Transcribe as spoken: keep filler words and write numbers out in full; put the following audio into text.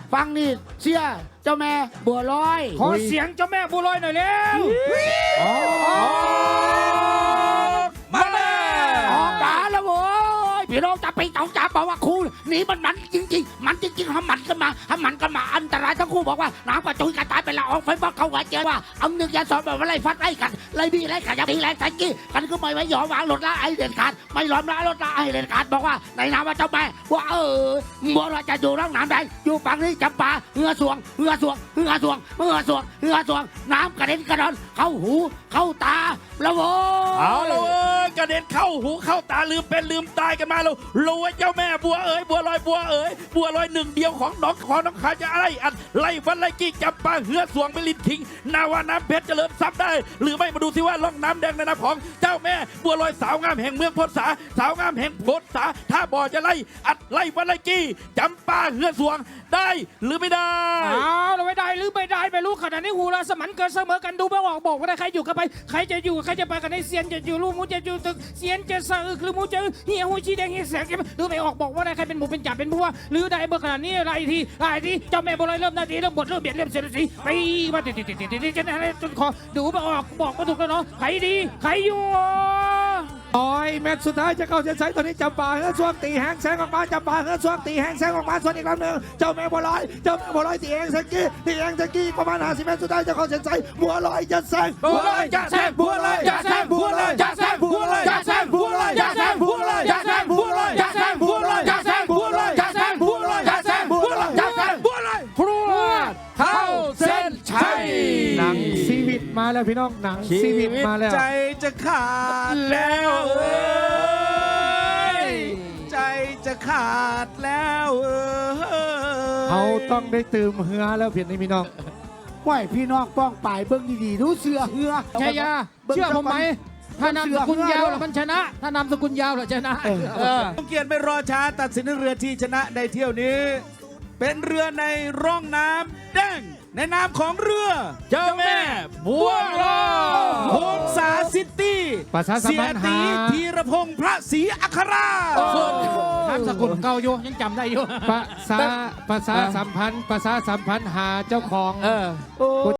ฟังนี่เสียเจ้าแม่บัวลอยขอเสียงเจ้าแม่บัวลอยหน่อยเร็วมาเลยออกมาแล้วโว้ยพี่น้องจะไปต้องจับบอกว่าครูนี่มันมันจริงๆมันจริงๆทำมันกันมาทำมันกันมาอันตรายทั้งคู่บอกว่าน้ำกระจุยกระจายไปละออกไฟฟ้าเขาหัวเจอว่าเอาหนึ่งยาสองแบบว่าไล่ฟัดไล่กันไล่บีไล่ขัดยาบีไล่ใส่กี้กันก็ไม่ไว้หยอวางหลดละไอเด็ดขาดไม่ล้อมละลดละไอเด็ดขาดบอกว่าในน้ำว่าเจ้าแม่ว่าเออบัวลอยจะอยู่ร่องน้ำใดอยู่ฝั่งนี้จำปาเหือสวงเหือสวงเหือสวงเหือสวงเหือสวงน้ำกระเด็นกระดอนเข้าหูเข้าตาแล้วโว้เอาแล้วกระเด็นเข้าหูเข้าตาลืมเป็นลืมตายกันมาแล้วรู้ว่าเจ้าแม่บัวเอ๋ยบัวลอยบัวเอ๋ยบัวลอยหนึ่งเดียวของน้องของน้องขาจะอะไรอันไล่วันไล่กี้จับปลาเหือสวงไปลินทิ้งนาวาน้ำเพชรเจริญทรัพย์ได้หรือไม่มาดูสิว่าล่องน้ำแดงในน้ำของเจ้าแม่บัวลอยสาวงามแห่งเมืองพศาสาวงามแห่งพศาถ้าบ่อจะไล่อัดไล่วันไล่กี้จำปลาเหือสวงได้หรือไม่ได้อ้าวเราไม่ได้หรือไม่ได้ไม่รู้ขนาดนี้หูเราสมันเกินเสมอกันดูไม่ออกบอกว่าได้ใครอยู่กันไปใครจะอยู่ใครจะไปกันในเซียนจะอยู่ลูกมูจะอยู่ตึกเซียนจะสะอึกหรือมูจะเหี่ยวหูชีแดงเหี่ยวแสงดูไม่ออกบอกว่าได้ใครเป็นหมูเป็นจ่าเป็นผู้ว่าหรือได้เบอร์ขนาดนี้อะไรทีอะไรทีเจ้าแม่บัวลอยเริ่มนาทีเริ่มบทเริ่มเบียดเริ่มเสียดสีไปมาติดติดติดติดติดจนอะไรจนคอดูไม่ออกบอกไม่ถูกแล้วเนาะใครดีใครอยู่ต่อยแมตช์สุดท้ายจะเข้าเส้นชัยตอนนี้จำปาเฮือช่วงตีแหงแสงออกมาจำปาเฮือช่วงตีแหงแสงออกมาส่วนอีกครั้งหนึ่งเจ้าแม่บัวลอยเจ้าแม่บัวลอยตีแหงแสงกี้ตีแหงแสงกี้ประมาณห้าสิบเมตรสุดท้ายจะเข้าเส้นชัยบัวลอยจะแซงบัวลอยจะแซงบัวลอยจะแซงบัวลอยจะแซงบัวลอยจะแซงบัวลอยจะแซงบัวลอยจะแซงบัวลอยจะแซงบัวลอยจะแซงบัวลอยจะแซงบัวลอยจะแซงบัวลอยจะแซงบัวลอยพรวดเข้าเส้นชัยหนังชีวิตมาแล้วพี่น้องหนังชีวิตมาแล้วใจจะขาดแล้วเอ้ยใจจะขาดแล้วเอ้ยเขาต้องได้ตื่มเหือแล้วเพียงนี้พี่น้องไหวพี่น้องป้องป่ายเบิ้งดีๆดูเสือเหือชัยยาเชื่อผมไหมถ้านามสกุลยาวแล้วมันชนะถ้านามสกุลยาวแล้วชนะต้องเกียรติไม่รอช้าตัดสินเรือที่ชนะในเที่ยวนี้เป็นเรือในร่องน้ำแดงในนามของเรือเจ้าแม่บัวลอยโฮมสาซิตี้เสียตีธีรพงษ์พระศรีอัครานามสกุลเก่าอยู่ยังจำได้อยู่ภาษาภาษาสัมพันธ์ภาษาสัมพันธ์หาเจ้าของ